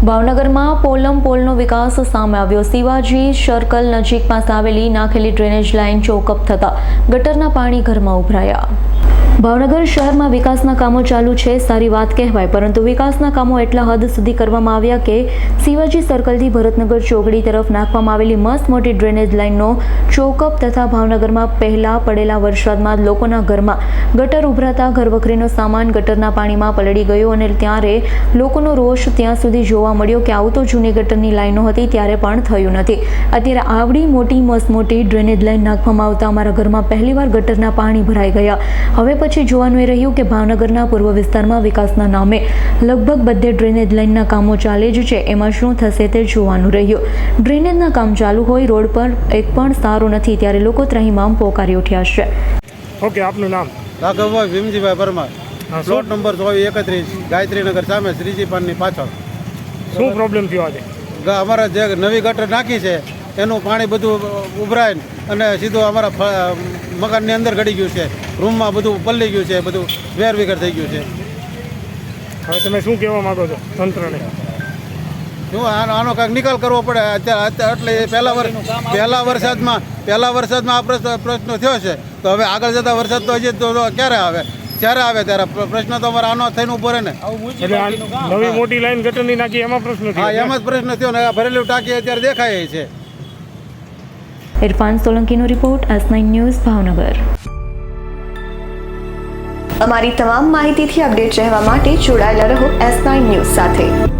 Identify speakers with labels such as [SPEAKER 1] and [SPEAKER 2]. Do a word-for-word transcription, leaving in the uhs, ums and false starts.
[SPEAKER 1] ભાવનગરમાં પોલમ પોલનો વિકાસ સામે આવ્યો। શિવાજી સર્કલ નજીક પાસે આવેલી નાખેલી ડ્રેનેજ લાઇન ચોકઅપ થતા ગટરના પાણી ઘરમાં ઉભરાયા। ભાવનગર શહેરમાં વિકાસના કામો ચાલુ છે, સારી વાત કહેવાય, પરંતુ વિકાસના કામો એટલા હદ સુધી કરવામાં આવ્યા કે શિવાજી સર્કલથી ભરતનગર ચોકડી તરફ નાખવામાં આવેલી મસ્ત મોટી ડ્રેનેજ લાઇનનો ચોકઅપ થતા ભાવનગરમાં પહેલા પડેલા વરસાદમાં લોકોના ઘરમાં ગટર ઉભરાતા ઘરવખરીનો સામાન ગટરના પાણીમાં પલળી ગયો અને ત્યારે લોકોનો રોષ ત્યાં સુધી જોવા મળ્યો કે આવું તો જૂની ગટરની લાઇનો હતી ત્યારે પણ થયું નથી। અત્યારે આવડી મોટી મસ્ત મોટી ડ્રેનેજ લાઇન નાખવામાં આવતા અમારા ઘરમાં પહેલીવાર ગટરના પાણી ભરાઈ ગયા। હવે પછી જોવાનું એ રહ્યું કે ભાવનગરના પૂર્વ વિસ્તારમાં વિકાસના નામે લગભગ બધે ડ્રેનેજ લાઇનના કામો ચાલે જ છે, એમાં શું થશે તે જોવાનું રહ્યું। ડ્રેનેજના કામ ચાલુ હોય, રોડ પર એક પણ સારો નથી, ત્યારે લોકો ત્રાહિમામ પોકારી ઉઠ્યા છે।
[SPEAKER 2] ઓકે, આપનું નામ?
[SPEAKER 3] રાઘવભાઈ ભીમજીભાઈ પરમાર, પ્લોટ નંબર ચોવીસ એકત્રીસ, ગાયત્રીનગર સામે શ્રીજી પાનની પાછળ।
[SPEAKER 2] શું પ્રોબ્લેમ થયો આજે?
[SPEAKER 3] અમારા જે નવી ગટર નાખી છે એનું પાણી બધું ઉભરાય અને સીધું અમારા મકાનની અંદર ગળી ગયું છે, રૂમમાં બધું પલળી ગયું છે, બધું વેર વિખેર થઈ ગયું છે।
[SPEAKER 2] હવે તમે શું કહેવા માંગો છો તંત્રને?
[SPEAKER 3] શું આનો આનો કાંઈક નિકાલ કરવો પડે અત્યારે, એટલે પહેલા વર્ષ પહેલા વરસાદમાં પહેલા વરસાદમાં આ પ્રશ્ન પ્રશ્ન થયો છે, તો હવે આગળ જતા વરસાદ તો હજી તો ક્યારે આવે? જ્યારે આવે ત્યારે પ્રશ્ન તો અમારે આનો થઈને ઉભો રહે ને।
[SPEAKER 2] નવી મોટી લાઈન ગટરની નાખી એમાં પ્રશ્ન થયો?
[SPEAKER 3] હા, એમાં જ પ્રશ્ન થયો ને। ભરેલું ટાંકી અત્યારે દેખાય છે।
[SPEAKER 1] ઇરફાન સોલંકીનો report, S nine news, Bhavnagar.
[SPEAKER 4] અમારી તમામ માહિતીથી અપડેટ રહેવા માટે જોડાયેલા રહો એસ નાઇન ન્યૂઝ સાથે।